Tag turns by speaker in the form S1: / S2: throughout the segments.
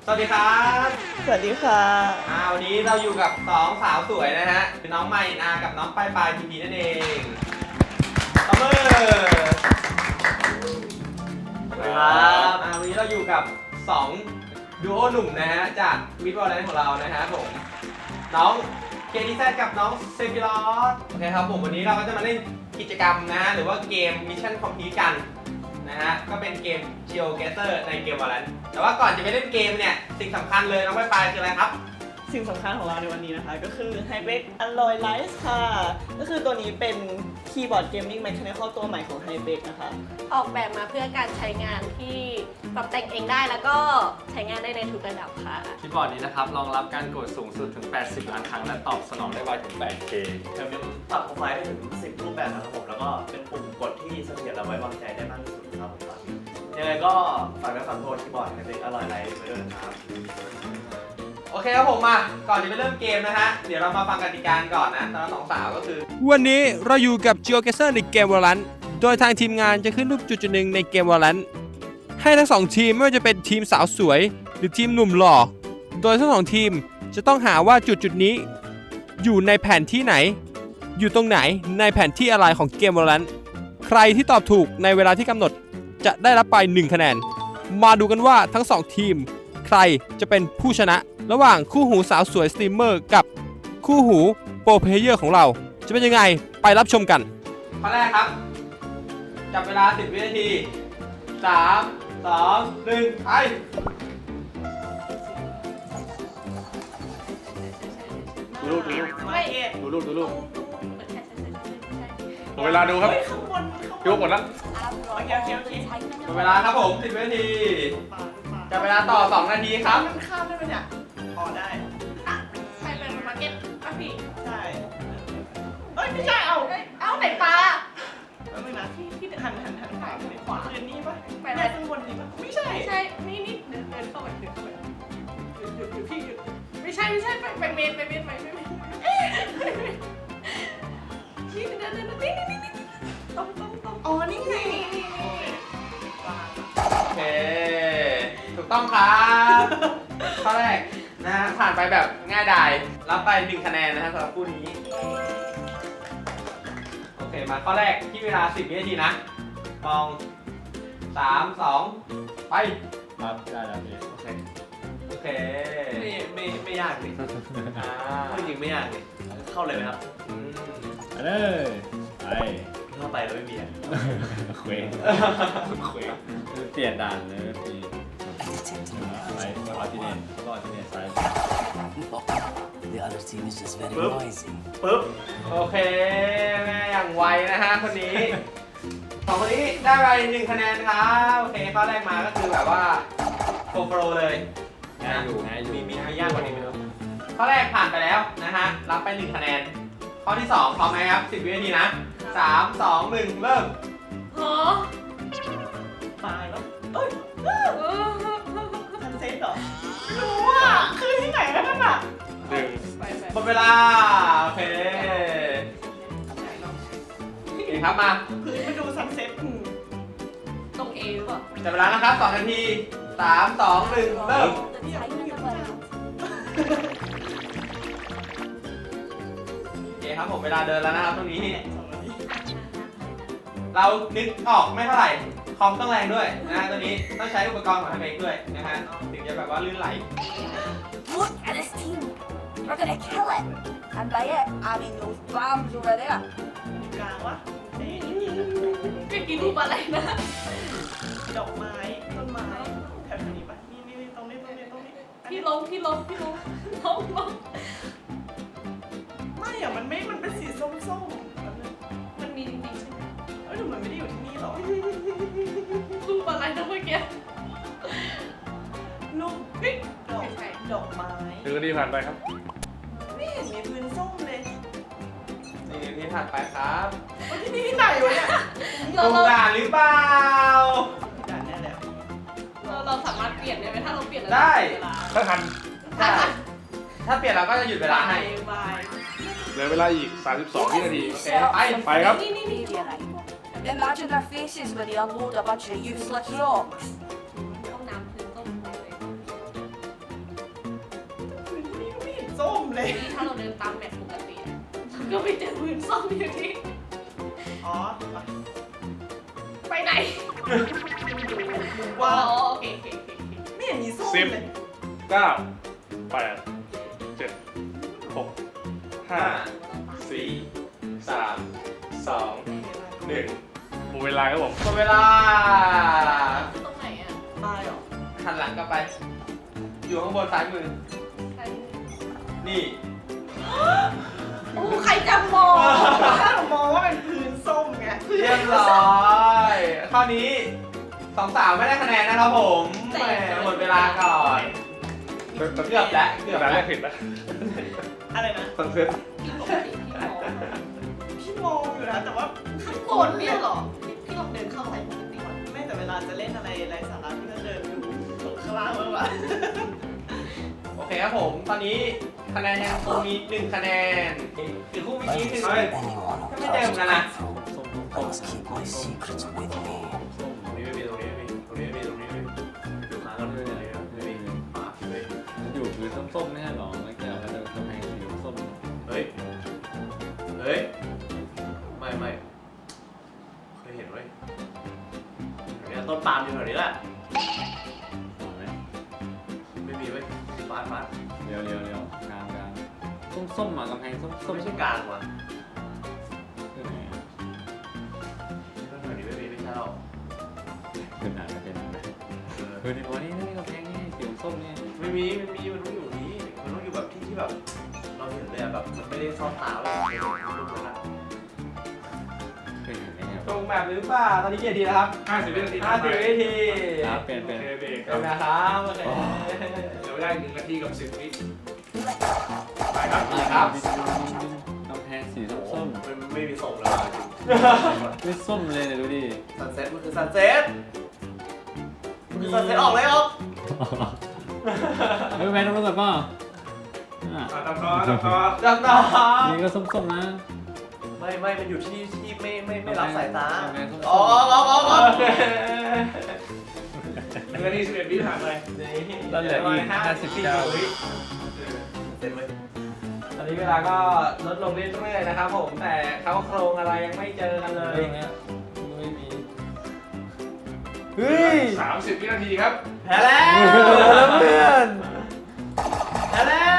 S1: วัสดีครับ
S2: สวัสดีค่ะ
S1: วันนี้เราอยู่กับ2สาวสวยนะฮะคือน้องไมนากับน้องปายพีพีนั่นเองตบมือครับวันนี้เราอยู่กับ2ดูโอหนุ่มนะฮะจากวิดวอลเลนของเรานะฮะผมน้องเคดีแซกับน้องเซฟิลอสโอเคครับผมวันนี้เราก็จะมาเล่นกิจกรรมนะฮะหรือว่าเกมมิชชั่นคอมพลีทกันนะฮะก็เป็นเกม GeoGuessr ในเกมวอลเลนแต่ว่าก่อนจะไปเล่นเกมเนี่ยสิ่งสำคัญเลยน้องปายคืออะไรครับ
S2: สิ่งสำคัญของเราในวันนี้นะคะก็คือ Hybrid Alloy Lights ค่ะก็คือตัวนี้เป็นคีย์บอร์ดเกมมิ่ง Mechanical ตัวใหม่ของ Hybrid นะคะ
S3: ออกแบบมาเพื่อการใช้งานที่ปรับแต่งเองได้แล้วก็ใช้งานได้ในทุกระดับค่ะ
S4: คีย์บอร์ดนี้นะครับรองรับการกดสูงสุดถึง80ล้านครั้งและตอบสนองได้ไวถึง 8K
S5: แถมยังปรับโปรไฟล์ได้ถึง10รูปแบบนะครับผมแล้วก็เป็นปุ่มกดที่เสถียรและไว้วางใจได้มากที่สุดครับผมยังไงก็ฝากด้วยคำโทษคีย์บอร์ดให้เป็นอร่อยไลท์ไว้ด้วยนะครับ
S1: โอเคครับผมมาก่อนจะไปเริ่มเกมนะฮะเดี๋ยวเรามาฟังกติกาก่อนนะสำหรับ2สาวก็คือ
S6: วันนี้เราอยู่กับ GeoGuessr ในเกม Valorant โดยทางทีมงานจะขึ้นรูปจุดหนึ่งในเกม Valorant ให้ทั้ง2ทีมไม่ว่าจะเป็นทีมสาวสวยหรือทีมหนุ่มหล่อโดยทั้ง2ทีมจะต้องหาว่าจุดนี้อยู่ในแผนที่ไหนอยู่ตรงไหนในแผนที่อะไรของเกม Valorant ใครที่ตอบถูกในเวลาที่กำหนดจะได้รับไป1คะแนนมาดูกันว่าทั้ง2ทีมใครจะเป็นผู้ชนะระหว่างคู่หูสาวสวยสตรีมเมอร์กับคู่หูโปรเพลเยอร์ของเราจะเป็นยังไงไปรับชมกัน
S1: ข้อแรกครับจับเวลา10วินาที3 2 1ไป
S4: ดูรูปดูเวลาดูครับ
S2: ข้างบน
S4: ยกหมดแล้ว
S2: โอเค
S1: หมดเวลาครับผม10วินาทีจับเวลาต่อ2นาทีครับ
S2: มันข้ามได้ไหมเนี่ยพอได้
S3: ใช่เป็นมาร์เก็ตป่ะพี่
S2: ใช่ไม่ใช่
S3: เอาไหนปลา
S2: แล้วนึงนะที่หันขวาคือนี่ปะไปได้ข้างบนนี่ปะไม่ใช่
S3: ใช่นี่เดินเข้าไปหยุดพี่หยุดไม่ใช่ไปเมนพี่เดินนี่ตรง
S2: อ๋อนี่ไง
S1: โอเคถูกต้องครับข้อแรกนะฮะผ่านไปแบบง่ายดายรับไป1คะแนนนะฮะสำหรับคู่นี้โอเคมาข้อแรกที่เวลา10วินาทีนะมอง3 2ไป
S4: ครับได้แล้วพี่
S1: โอเค
S5: ไม่ยากเลยจริงไม่ยากเลยเข้าเลยไหมครับ
S4: ไป
S5: เข้าไปแล้วไม่มี
S4: เคว้งเปลี่ยนด่านเลยพี่ไปออทิเนตซ้าย
S7: The other team is just very noisy.
S1: ปึ๊บโอเคแม่อย่างไวนะฮะคนนี้ของคนนี้ได้ไป1คะแนนครับโอเคข้อแรกมาก็คือแบบว่าโปรเลย
S4: ง่ายอยู่
S1: มียากกว่านี้ไหมครับข้อแรกผ่านไปแล้วนะฮะรับไป1คะแนนข้อที่2พร้อมไหมครับ10วินาทีนะ3 2 1เริ่ม
S2: ตายแล้วทันเซ็ตเหรอไม่รู้อ่ะคือที่ไหนกันนั่นอ่ะ
S1: หมดเวลาโอเคครับมา
S2: พื้นมาดูซันเซ็ต
S3: ตรงเอหรือเปล่า
S1: จับเวลานะครับ2นาที3 2 1เริ่มโอเคครับผมเวลาเดินแล้วนะครับตรงนี้เรานึกออกไม่เท่าไหร่คอมต้องแรงด้วยนะตัวนี้ต้องใช้อุปกรณ์ของทำเองด้วยนะฮะถึงจะแบบว่าลื่นไหล
S8: Look at this team. We're gonna kill it. And by it, I mean those bombs over there.
S2: กลางวะ
S3: ไปกินรูปอะไรนะ
S2: ดอกไม้ต้นไม้แถวนี้ปะนี่ตรงนี้
S3: พี่ลง
S2: ไม่อะมันเป็นสีส้มๆ
S3: มันมีจริงๆใช่ไหม
S2: หนูมันไม่ได้อยู่ที่นี่หรอ
S3: รูปอะไรนะเมื่อกี้
S2: ลูกดอกไม้
S4: ถึงนาทีผ่านไปครับ
S2: ไม่เห็นมีพื้นส้มเลย
S1: นี่ที่ถัดไปครับ
S2: ที่นี่ที่ไหนวะเนี่ย
S1: ตรงด่านหรือเปล่า
S2: ด่านแน่แล้ว
S3: เราสามารถเปลี่ยนได้ไหมถ้าเราเปลี่ยน
S1: ได้
S4: ถ้าทัน
S1: ถ้าเปลี่ยนเราก็จะหยุดเวลาให้
S4: เหลือเวลาอีก32วินาทีไปครับ
S8: Imagine their faces when they unload a bunch of useless rocks.
S3: ห้องน้ำพื้นต้นเลย
S2: เลย
S3: นี่ถ้าเราเดินตามแมปปกติอะก็ไปเจอพื้นส้มอยู่ที่
S2: อ๋อ
S3: ไปไหน
S2: ว้า
S3: อ๋อ
S2: ว
S3: โอเคโอเคโอเค
S2: ไม่เห็นมีส้มเลย
S9: 9 8 7 6
S1: ห้า
S9: 5
S1: สี่สามสองหนึ่ง
S9: หมดเวลาครับผม
S1: หมดเวลา
S3: ตรงไหนอ่ะ
S2: ตายเหรอ
S1: หันหลังกลับไป อยู่ข้างบนซ้ายมือ
S3: ใคร
S1: นี่
S3: โอ้ใครจะมอง
S2: ถ้าเรามองว่าเป็นพื้นส้มไง
S1: เรียบร้อยข้อนี้สองสาวไม่ได้คะแนนนะครับผมแหมหมดเวลาก่อนเกือบแล้วเกือบ
S9: แต่แร
S1: แล้ว
S9: กผิดนะ
S2: อะไรนะ
S1: สังเซ็ต
S3: ปกติพี่มอง
S2: พี่มองอยู่นะแต่ว่า
S3: ข้างบนเนี่ยเหรอพี่ลองเดินเข้าไปปกติก่อน
S2: ไม่แต่เวลาจะเล่นอะไรไร้สาระพี่ก็เดินดูตรงข้างล่างแล้วอะ
S1: โอเคครับผม ตอนนี้คะแนนยังคงมี1คะแนนอีกคู่เมื่อกี้คือ
S7: Anyone who
S1: Come
S7: tries to
S1: down, Nana.
S7: get through, I must keep my secrets with me.
S5: ตรงนี้ไม่มีตรงนี้ไม่มีตรงนี้ไม่มีตรงนี้ไม่มีดูหากันเลยไม่มีมาเลย
S4: มันอยู่พื้นส้มๆไม่ใช่หรอไม่เกี่ยวกับกำแพงสีส้ม
S5: เฮ้ยเฮ้ยไม่เคยเห็นเว้ยเนี่ยต้นปาล์มอยู่แถวนี้แหละ
S4: หรอไหม
S5: ไม่มีเว้ยมา
S4: เดี๋ยวกลางส้มๆอ่ะกำแพงส้ม
S5: ไม่ใช่กลางว่ะ
S4: คือไหนอ่ะ
S5: แถวนี้ไม่มีไม่ใช่หรอก
S4: คือไหนเป็นไหนคือในตัวนี้นี่กำแพงนี่สีส้มนี่
S5: ไม่มีมันต้องอยู่นี้มันต้องอยู่แบบที่แบบเราเห็นเลยอะแบบมันไม่ได้ซ่อนตาไว้ในรูปนั้นอะ
S4: เคยเห็นไหมเนี่ย
S1: ตรงแบบหรือเปล่า ตอนนี้กี่นาทีแล้วครับ
S9: 50 วินาที
S1: 50วินาที
S4: ครับเป็น
S9: โอเคเบรกค
S1: เป็
S9: รั
S1: น
S9: บ
S1: นะครับโอเค
S9: เดี๋ยวได้1 นาทีกับ 10 วิไปครับ
S1: ครับ
S4: กำแพงสีส้ม
S5: ไม่มีส่งเลยจริง
S4: ๆไม่ส้มเลยเนี่ยดูดิ
S5: ซันเซ็ตมันคือซันเซ็ตมันคือซันเซ็ตออกเลยออก
S4: เฮ้ยแม่ต้องรู้จักป่ะ
S9: ตัดต่อตัดต่อ
S1: จับต่อ
S4: นี่ก็ส้มๆนะ
S5: ไม่มันอยู่ที่ไม่รับสายตา
S4: กำแพงส้มๆ
S5: อ๋อ
S1: โอเค
S9: 1 นาที 11 วิผ่านไป
S4: แล้วเหลืออีก59
S1: วิ
S5: เซ็ตไว้
S1: ตอนนี้เวลาก็ลดลงเรื่อยๆนะครับผม แต่เขาโครงอะไรยังไม่เจอกันเลย
S4: เรื่องเนี้ยไม่มี
S1: เฮ้ย
S9: 30 วินาทีครับ
S5: แพ้แล้ว
S1: เพื่อน
S5: แพ้แล้ว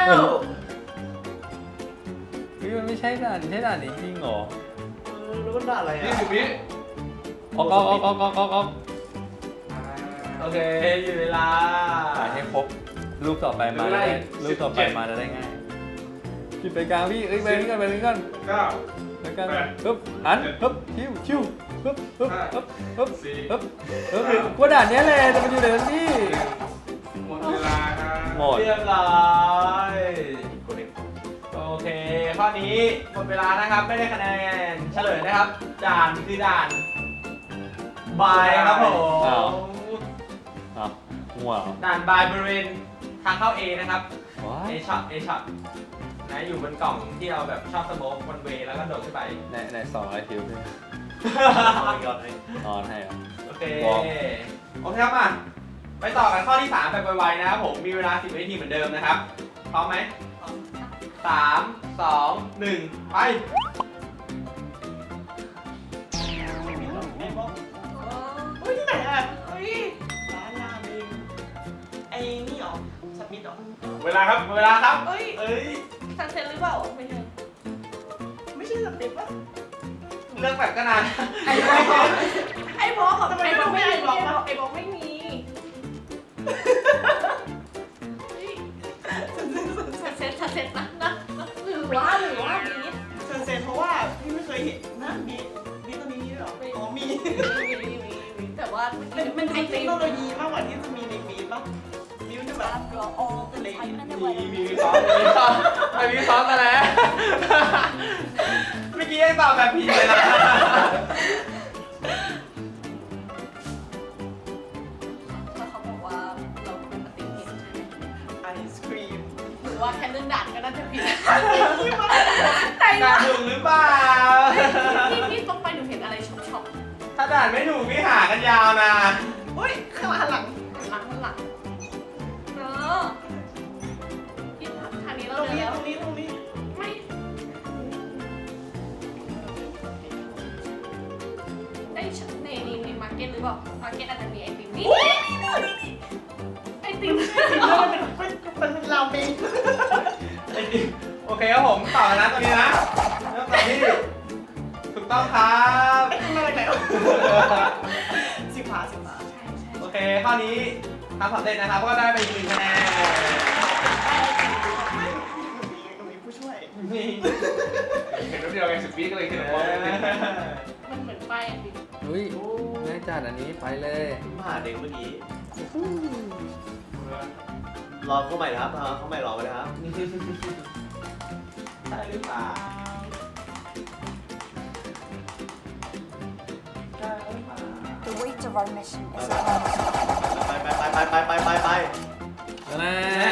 S4: เฮ้ยมันไม่ใช่ด่านนี้จริงเหรอ
S5: รู้ว่าด่าอะไรอ่ะ
S9: 20 วิ
S4: ออก
S1: โอเคอยู่เวลา
S4: ถ่ายให้ครบรูปต่อไปมาได้รูปต่อไปมาจะได้ง่ายผิดไปกลางพี่เอ้ยไปนี้ก่อน
S9: 9
S4: ไปกันปึ๊บหันปึ๊บคิวปึ๊บกูด่านเนี้ยเลยแต่มันอยู่ไหนกันพี่
S9: หมดเวลาครับ
S4: หมด
S1: เรียบร้อยโอเค ข้อนี้หมดเวลานะครับ ไม่ได้คะแนน เฉลยนะครับ ด่านคือด่านบายครับผม
S4: อ้าวหัว
S1: ด่านบายบริเวณทางเข้า A นะครับ
S4: ว้า
S1: A shot นะอยู่บนกล่องที่เราแบบชอบสโมกบนเวย์แล้วก็โดดขึ้นไป
S4: ใน2 IQ พี่
S5: เอาอีกรอบไหม
S4: นอนให้อ่ะ
S1: โอเค
S4: วอร์ม
S1: โอเคครับมาไปต่อกันข้อที่ 3 แบบไวๆนะครับผม มีเวลา 10 วินาทีเหมือนเดิมนะครับ พร้อมไหม 3 2 1 ไป
S2: เฮ้ยที่ไหนอะเฮ้ยร้านราเมงไอ้นี่เหรอสมิธเหรอ
S9: เวลาครับ
S1: หมดเวลาครับ
S3: เอ้ย
S1: เอ้ย
S3: ซันเซ็ตหรือเปล่าไม่ใช่
S2: ไม่ใช่สมิธปะ
S1: เรื่องแบบก็นาน
S3: ไอ้บอกของ
S2: ทำไม
S3: ไอ้บอก
S2: ไม่
S3: ไม่
S2: ไอ้
S3: มี
S2: บอกวะ
S3: ไอ้บอกไม่มีเฮ้ยซันเซ็ตนะหรือว่ามี
S2: เซนเซนเพราะว่าพี่ไม่เคยเห็นนะมีตัวนี้ด้วยเหรออ๋อมี
S3: แต่ว่า
S2: มันดูเทคโนโลยีมากกว่าที่จะมีในมีดปะมีมันจะแบบ
S8: I've got all the time in the
S1: มี
S8: world.
S1: มีซ้อมมีซ้อมไม่มีซ้อมกันแล้ว เมื่อกี้ยังตอบแบบผิดเลยนะ
S3: แล้วเขาบอกว่าเราปกติเห็นใช่ไหม
S2: ไอศครีม
S3: หรือว่าแค่เรื่องด่านก็น่าจะผิด
S1: ด่านถูกหรือเปล่า
S3: ที่ตรงไปหนูเห็นอะไรช็อป
S1: ถ้าด่านไม่ถูกพี่หากันยาวนะ
S2: เฮ้ยข้างหลัง
S3: หลังเออที่ทางนี้
S2: ต
S3: เรา
S2: รง
S3: เดิน
S2: นี้
S3: แล้ว
S2: ตรงนี้
S3: รือเปล่ามาร์เก็ตอาจจะมีไอติมนี่ไอติม
S2: เป็นราเมง
S1: โอเคครับผมต่อนะตอนนี้นะเริ่มต่อที่ถูกต้องครับ
S2: มาจากไหนสิบาท
S1: โอเคข้อนี้ทำสำเร็จนะครับก็ได้ไปอีก1 คะแนน
S2: มีผู้ช่วย
S1: นี่
S9: เห็นแล้วเดียวไง10 วิก็เลยคิดว่า
S3: มันเหมือนป้ายไอติม
S4: อุ้ยง่ายจัดอันนี้ไปเลย
S5: มาหาเด็กเมื่อกี้รอเข้าใหม่นะครับเข้าใหม่รอไปนะครับ
S1: ได้หรือเปล่าได้หรือเปล่า
S8: The weight of our mission is upon us.
S5: ไป
S4: นะ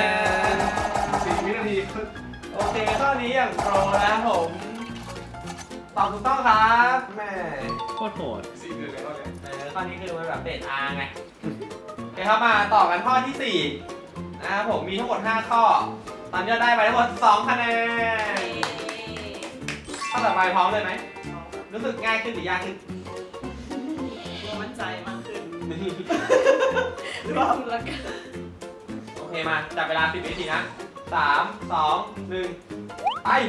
S9: 4 วินาที
S1: โอเคข้อนี้อย่างโปรนะครับผมตอบถูกต้องครับแม่
S4: โคตรโหด
S9: 4 1แล้วเนี่ย
S1: ข้อนี้คือมันแบบเบสอาร์ไงโอเคครับมาต่อกันข้อที่4นะครับผมมีทั้งหมด5ข้อตอนนี้เราได้ไปทั้งหมด2 คะแนนข้อต่อไปพร้อมเลยไหมรู้สึกง่ายขึ้นหรือยากขึ้น
S2: มั่นใจมากขึ้น
S3: หรือว่าละกัน
S1: โอเคมาจับเวลา10 วินาทีนะ3 2 1ไป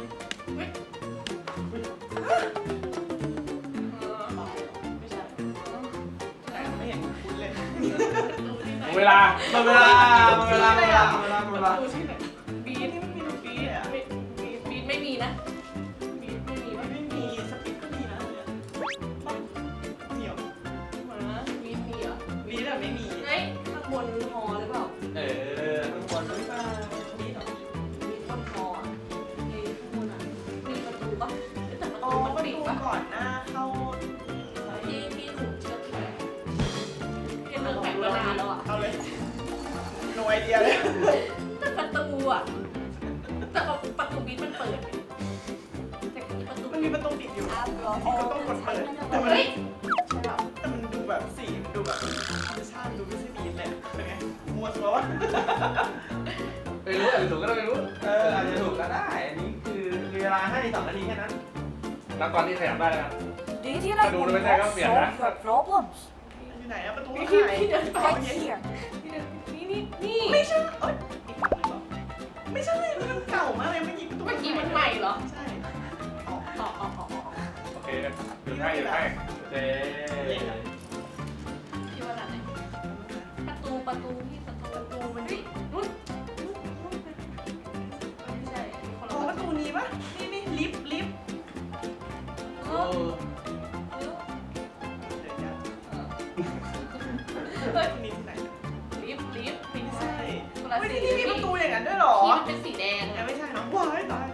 S3: ไม่ใช่
S2: ไม่เห็นคุณเลย
S9: หมดเวลา
S1: หมดเวลาหมดเวลาหมดเวลาหมดเวลาหมดเวลา
S3: ดูที่ไหนบีท
S2: นี่มันมีทุกปีอ่ะ
S3: บีทไม่มีนะบีทไม่มีวะ
S2: ไม่มีสปิกก็มีนะเหนียว
S3: มาบีทมีเหรอ
S2: วีแต่ไม่มี
S3: เฮ้ยข้างบนฮอหรือเปล่า
S1: ข้างบนหรือเปล่า
S3: บีทเหรอบีทบนฮออ่ะไอ้ข้างบนอ่ะมีประตูปะแต่ประ
S2: อ๋อ
S3: ตูมัน
S2: ประ
S3: ปิด
S2: ตู
S3: ปะ
S2: ก่อนหน้าเข้า
S3: ที่ถูกเชือกที่ไหนที่เลิกแข่งเวลาแล้วอ่ะ
S2: เอาเลยโนไอเดียเลย
S3: แต่ประตูอ่ะแต่ประตูบีทมันเปิดแต่ประตู
S2: มันมีประตูปิดอยู่
S8: After
S2: ที่ก็
S8: all
S2: ต้องกด
S8: the
S2: เปิด
S8: time in
S2: แต่
S8: the
S2: มัน
S3: เฮ้ยใช่ป่ะ
S2: แต่มันดูแบบสีมันดูแบบธรรมชาติดูไม่ใช่บีทเลยเป็นไงมัวซัววะ
S9: ไม่รู้อาจจะถูกก็ได้ไม่รู้
S1: อาจจะถูกก็ได้ อันนี้คือมีเวลาให้2 นาทีแค่นั้น
S9: นับตอนที่ขยับได้แล้วกัน
S8: Do you think I
S9: Aduh,
S8: will
S9: udah baca
S8: not
S9: kau biar,
S8: solve
S9: dah.
S8: your problems?
S2: อยู่ไหนอะประตู
S3: พี่
S2: หาย
S3: พี่เดินไป
S8: Right here.
S3: นี่
S2: ไม่ใช่เอ้ยอีกฝั่งหนึ่งเหรอไม่ใช่มันเก่ามากเลยเมื่อกี้ประตู
S3: เมื่อกี้มันใหม่เหรอ
S2: ใช่
S3: อ๋อ
S9: โอเคหยุดให้หยุดให้
S1: โอเค
S3: คิดว่าอะไรประตูที่ประตูมันดิรุ่นไม่ใช่คน
S2: อ๋อ
S3: ละ
S2: ประตูนี้ปะนี่ลิฟต์
S3: เอ
S1: โอ้
S3: อ
S2: เดี๋ยวนะ
S3: เฮ้ย
S2: ที่นี่ที่ไหน
S3: ลิฟต์ไม่
S2: ไม่
S3: ใช่
S2: ใช่
S3: คนละ
S2: เฮ้ย
S3: สี
S2: นี่มีประตูอย่างนั้นด้วยเหรอ
S3: ที่มันเป็นสีแดง
S2: ไม่ใช่นะว้ายตาย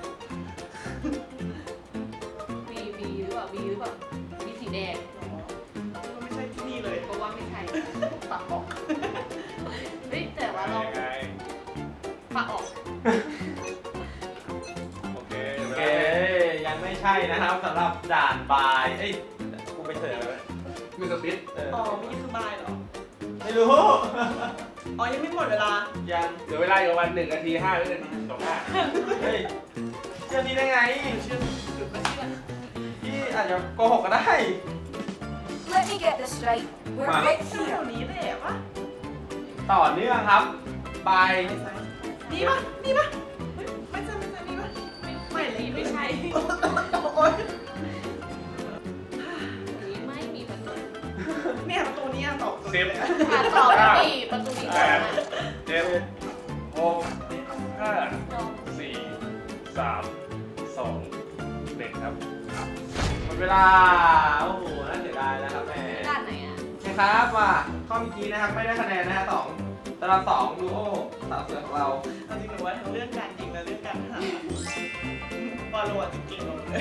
S3: บีหรือเปล่าบีสีแดง
S2: ก็ไม่ใช่ที่นี่เลย
S3: ก็ว่าไม่ใช่ปักออกเฮ้ยแต่ว่าเรา
S9: ยังไง
S3: ปักออก
S9: โอเค
S1: โอเค ยังไม่ใช่นะครับสำหรับด่านบาย เอ้ย กูไปเสิร์ฟอะไรไว้
S9: มีสปิด
S2: อ๋อเมื่อกี้คือบายเหรอ
S1: ไม่รู้
S2: อ๋อยังไม่หมดเวลา
S1: ยัง
S9: เดี๋ยวเวลาอยู่ประมาณ1 นาที 5 วินาที25
S1: เฮ้ยเชื่อพี่ได้ไง
S2: เชื่อหรือไม่เชื่อ
S1: พี่อาจจะโกหกก็ได้
S8: Let me get this right. We're
S1: Wow.
S8: right
S2: เชื่อ
S8: here.
S2: แถวนี้แหละปะ
S1: ต่อเนื่องครับ บาย
S2: นี่ปะนี่ปะไม่ใช่นี่ปะไม่เลย
S3: ไม่ใช่
S2: โอ๊ย
S3: นี้ไม่มีประตู
S2: เนี่ยประตูนี้ตอบ
S9: สิบ
S3: ต่อไม่มีประตูนี้
S9: แป
S3: ก่อน
S9: ด
S3: นะ
S9: 7 6 5
S3: ยอม
S9: 4 3 2 1ครับ
S1: หมดเวลา โอ้โห น่าเสียดายนะครับแม่
S3: ด้านไหนอ่ะ
S1: โอเคครับมาข้อเมื่อกี้นะครับ ไม่ได้คะแนนนะฮะ2สำหรับ2ดูโอสาวสวยของเรา
S2: เอาจริงหนูว่าทั้งเรื่องการยิงและเรื่องการหาบอลโลจริงๆเลย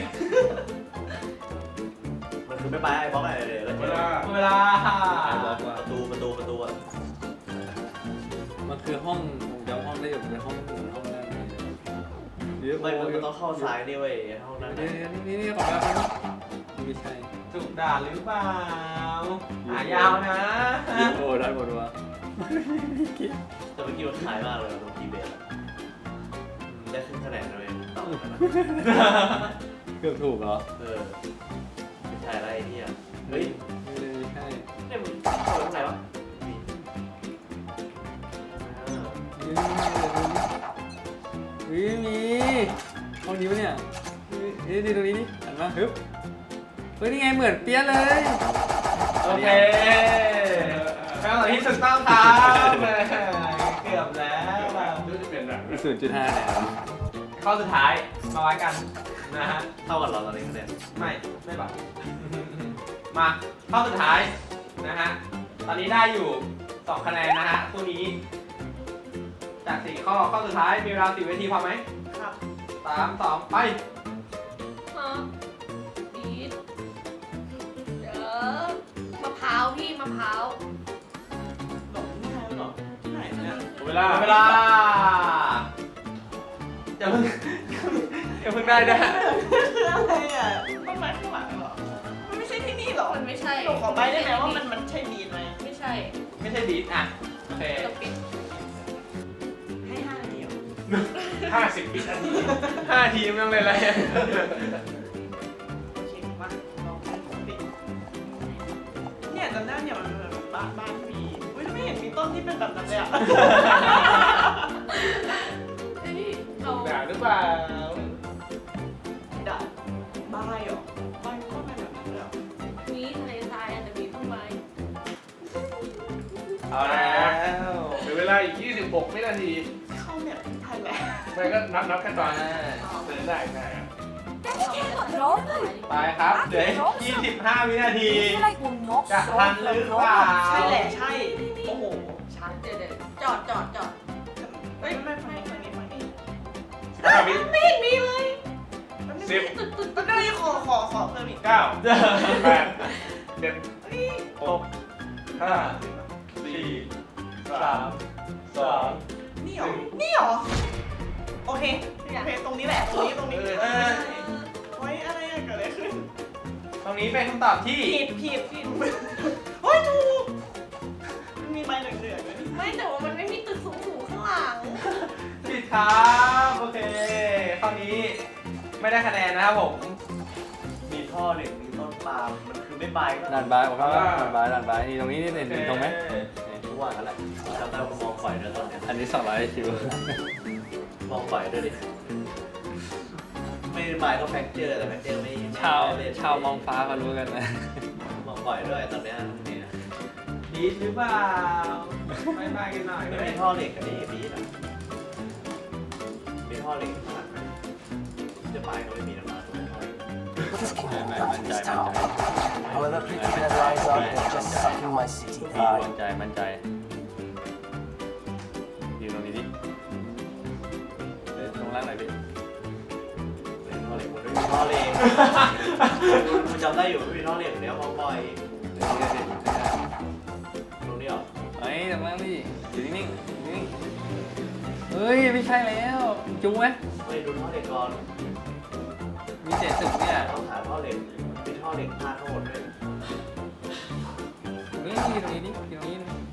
S5: มันคือไม่ไปไอ้บล็อกอะไรเลยแล้ว
S9: เวลา
S1: หมดเวลา
S5: ประตูอ่ะ
S4: มันคือห้องผมจำห้องได้อยู่เป็นห้องห้องนั่นเดี๋ยว
S5: ไม่มันต้องเข้าซ้ายนี่เว้ยห้องนั้น
S4: นี่ของเราไม่ใช่
S1: ถูกด่าหรือเปล่าหายาวนะ
S4: โอ้ได้หมดวะ
S5: แต่เมื่อกี้มันขายมากเลยตรงทีเบสได้ขึ้นคะแนนนะเว้ยต่อกันนะ
S4: เกือบถูกเหรอ
S5: ไม่ใช่อะไรเนี่ยเฮ้ย
S4: ไม่ใช่
S5: เนี่ย
S4: มีห้องนี้ปะเนี่ยนี่ดูตรงนี้นี่หันมาฮึบเฮ้ยนี่ไงเหมือนเปี้ยเลย
S1: โอเคคำตอบที่ถูกต้องครับเกือบแล้ว
S9: ดูจะเป็นแบบ
S4: 0.5เนี่ย
S1: ข้อสุดท้ายมาไว้กันนะฮะ
S5: เท่ากับเราตอนนี้คะแนน
S1: ไม่แบบ มาข้อสุดท้ายนะฮะ ตอนนี้ได้อยู่ 2 คะแนนนะฮะคู่นี้ จาก4ข้อสุดท้ายมีเวลา10 นาทีพอไหม
S2: ครับ
S1: 3 2 ไป
S3: ฮะบีทเดี๋ยวมะพร้าวพี่มะพร้าว
S2: หลงที่ไหนหรอที่ไหนเนี่ย
S9: เวลา
S1: เวลาอย่าเพิ่ง อย่าเพิ่งได้นะ
S2: คืออะไรอ่ะต้นไม้ข้างหลังเหรอมันไม่ใช่ที่นี่หรอ
S3: มันไม่ใช่
S2: หนูขอใบได้ไหมว่ามันใช่บีทไหม
S3: ไม่ใช่
S1: ไม่ใช่บีทอ่ะ โอเค
S3: กระปิด
S2: ให้5 นาทีเหรอ
S9: 50 วินาที
S1: 5 ทีไม่ต้องเลยอะไร
S2: โอเคมาลองปกติเนี่ยจำได้เนี่ยมันเป็นแบบบ้านมีอุ้ยไม่เห็นมีต้นที่เป็นแบบนั้นเลยอ่ะ
S3: เฮ้ยเรา
S9: ด่าหรือเปล่า
S2: ด่าบ้ายเหรอบ้ายก็เป็นแบบนั้นเลยเหรอ
S3: มีทะเลทรายอาจจะมีต้นไม้
S1: เอาแล้ว
S9: เหลือเวลาอีก 26 วินาที
S2: เข้าเนี่ยไทยแลนด์
S9: ไม่ก็นับขั้นตอนเดินได้นะ
S8: Daddy cannot throw them.
S1: ไปครับเหลือ25 วินาที
S8: I feel like we'll not
S1: จะ
S8: solve
S1: ทัน
S8: the
S1: หรือเปล่า
S8: problem.
S2: ใช่แหละใช่โอ้โหชัด
S3: เดี๋ยวจอด
S2: เฮ้ยไม่ฝั่งนี้
S9: 5 วิ
S3: ไม่เห็นมีเลย
S9: สิบ
S3: ตึก
S2: ตอนนี้ขอเพิ่มอีก
S9: 9 8 7 6 5 4 3 2
S2: นี่เหรอโอเคตรงนี้แหละตรงนี้เฮ้ยอะไรอะเกิดอะไรขึ้น
S1: ตรงนี้เป็นคำตอบที่
S2: ผิดเฮ้ยถูกมันมีใบเหลืองๆด้วย
S3: ไม่แต่ว่ามันไม่มีตึกสูงๆข้างหลัง
S1: ผิดครับโอเคข้อนี้ไม่ได้คะแนนนะครับผม
S5: มีท่อเหล็กมีต้นปาล์มมันคือไม่ใบก็
S4: ด่านบายบอกว่าด่านบายนี่ตรงนี้นี่เห็นตรงไหม
S5: ทุกวันนั่นแหละจำได้ว่ามองฝ่ายด้วยตอนเนี้ย
S4: อันนี้200คิว
S5: มองฝ่ายด้วยดิไม่ใบก็แฟกเจอร์แต่แฟกเจอร์ไม่
S4: ชาวมองฟ้าเขารู้กันนะ
S5: มองฝ่ายด้วยตอนเนี้ยเนี่ย
S1: ดีหรือเปล่าไม่มากันหน่อย
S5: ไม่มีท่อเหล็กกับนี่บีนะมีท่อเหล็กขนาดไหนจะใบก็ไม่มีน้ำมัน
S7: This cannot
S4: Man,
S7: last
S4: man,
S7: this
S4: man,
S7: town.
S4: man.
S7: However pretty Venezuelans are, they're just sucking my city
S4: มั่
S7: dry.
S4: นใจยืนตรงนี้ดิเดินตรงล่างหน่อยดิ
S5: เป็นท่อเหล็กมันไม่มีท่อเหล็กคุณจำได้อยู่ไม่มีท่อเหล็กเดี๋ยวมองบ่อยตรงนี้เหรอ
S4: เฮ้ยตรงล่างดิอยู่นิ่งเฮ้ยไม่ใช่แล้วจุ้งไหม
S5: ไม่ดูท่อเหล็กก่อน
S4: มีเศษตึกเนี่ย
S5: ต้องหาท่อเหล็กมีท่อเหล็กพาดทั้งหมดเลย
S4: นี่ตรงนี้ดิตรงนี้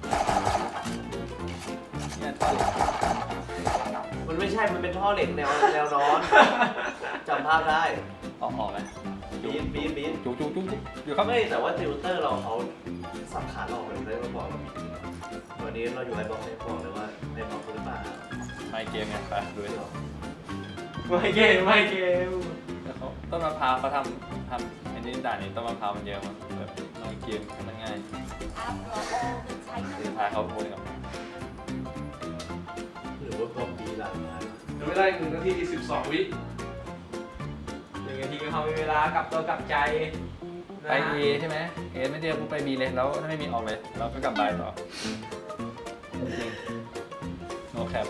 S4: เนี่ยท่อเหล็ก
S5: มันไม่ใช่มันเป็นท่อเหล็กแนวนอนจำภาพได้
S4: ออกไหม
S5: บีน
S4: จุ๊อยู่ครับ
S5: ไม่แต่ว่าติวเตอร์เราเขาสับขาหลอกเลยได้มาบอกเราบีวันนี้เราอยู่ไอ้บอกให้บอกเลยว่าไอ้บอกหรือเปล่า
S4: ไม่เกมไงไปดูดิ
S1: ไม่เกม
S4: แล้วเขาต้นมะพร้าวเขาทำอันนี้ด่านนี้ต้นมะพร้าวมันเยอะมากแบบไม่เกมให้มันง่าย
S8: After all the time.
S4: สุดท้ายเขาพูดกับ
S5: หรือว่าพวกบีหลังงาน
S9: เหลือเวลาอีก1 นาที 12 วิ
S1: 1 นาทีก็เขามีเวลากลับตัวกลับใจ
S4: ไป A ใช่ไหม A ไม่เดียวกูไป B เลยแล้วถ้าไม่มีออกเลยเราก็กลับ B ต่อจริง no cap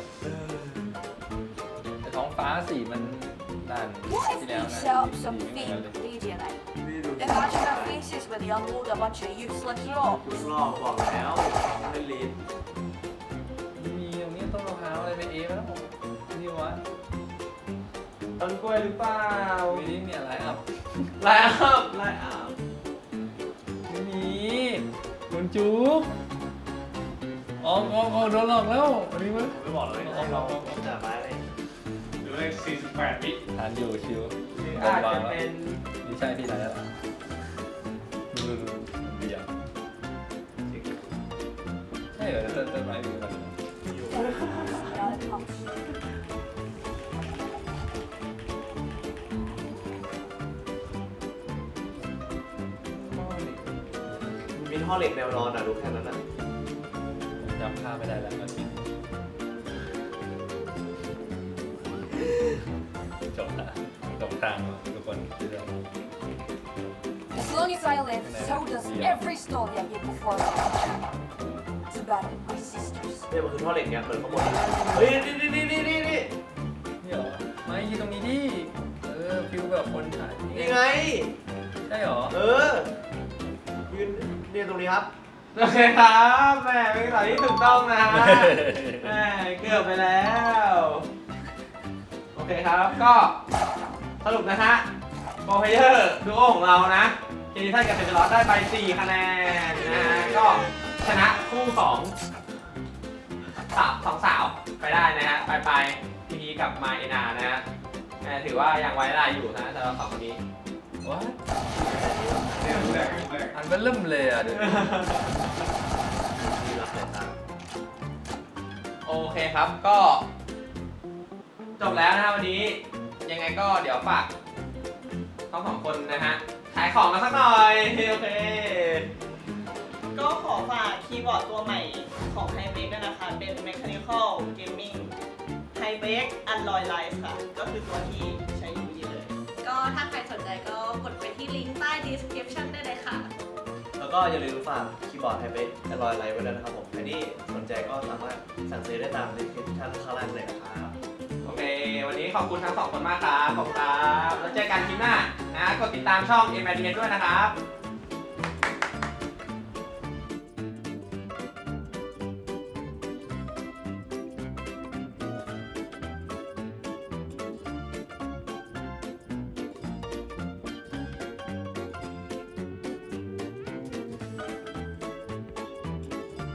S4: แต่ท้องฟ้าสีมันด่าน
S8: What
S4: ที่
S8: if
S4: แล้ว
S8: we
S4: นะ
S8: set up
S4: สี
S8: some
S4: ไม่เหมือนกันเลย
S8: fake DJ night? Imagine our faces when they unload a bunch of useless rocks.
S5: ทุกรอบบอกแล้วไม่ลีน
S4: มีตรงนี้ต้นมะพร้าวอะไรไป A มาแล้วผมนี่วะ
S1: ต้นกล้วยหรือเปล่า
S4: วีนี้เนี่ยไลน์อัพ
S1: ไลน์อัพ
S4: ไม่มีโดนจูบออกโดนหลอกแล้วอันนี้มั้ย
S5: ไม่บอกเลยให้เราจับไม้เลย
S9: เหลือเวลา48 วิ
S4: ทานอยู่ชิว
S1: หรือ
S4: โด
S1: อาน จ
S4: วาง
S1: จะ
S4: แล้ว
S1: เป็น
S4: นี่ใช่ที่ไหนแล้วดูเบียร์ใช่เหรอต้นไม้มีมัน
S5: อยู่
S8: Yeah,
S5: มีท่อเหล็กแนวนอนรู้แค่นั้น
S4: ผมจำภาพไม่ได้แล้วมันจบละจบทางทุกคนที่เรา
S8: As long as I live, so does every story I get before me. It's about my sisters.
S5: เนี่ยมันคือท่อเหล็กเนี่ยเปิดข้างบนเฮ้ยนี่
S4: นี่เหรอไม่ที่ตรงนี้ดิฟิลแบบคนถ่าย
S5: นี่ไง
S4: ใช่เหรอ
S5: ยืนเนี่ยตรงนี้ครับ
S1: โอเคครับแหมเป็นคำตอบที่ถูกต้องนะฮะแหมเกือบไปแล้ว โอเคครับก็สรุปนะฮะโปรเพเยอร์ดูโอของเรานะเคดีท่านกับเซนเจอร์ได้ไป4คะแนนนะฮะก็ชนะคู่ของสองสาวไปได้นะฮะไปทีนี้กับมาเอนานะฮะถือว่ายังไว้ได้อยู่นะสำหรับสองคนนี้
S4: ว้า
S9: เนี่ยแรก
S4: อันเป็นเริ่มเลยอ่ะเดี๋ยว
S5: นี่รับแต่ตา
S1: โอเคครับก็จบแล้วนะฮะวันนี้ยังไงก็เดี๋ยวฝากทั้งสองคนนะฮะขายของกันสักหน่อยโอเค
S2: ก็ขอฝากคีย์บอร์ดตัวใหม่ของ h y b e ด้วยนะคะ เป็น Mechanical Gaming h y b e Alloy Life ค่ะ ก็คือตัวที่ใช้อยู่นี่เลย
S3: ก็ถ้าใครสนใจก็กดไปที่ลิงก์ใต้ description ได้เลยค่ะ
S5: แล้วก็อย่าลืมฝากคีย์บอร์ดไฮเบสอร่อยไลท์ไว้ด้วยนะครับผมใครที่สนใจก็สามารถสั่งซื้อได้ตามลิงก์ข้างล่างเลยนะครับ
S1: โอเค วันนี้ขอบคุณทั้งสองคนมากครับขอบคุณครับแล้วเจอกันคลิปหน้านะกดติดตามช่อง m อ d s ด้วยนะครับ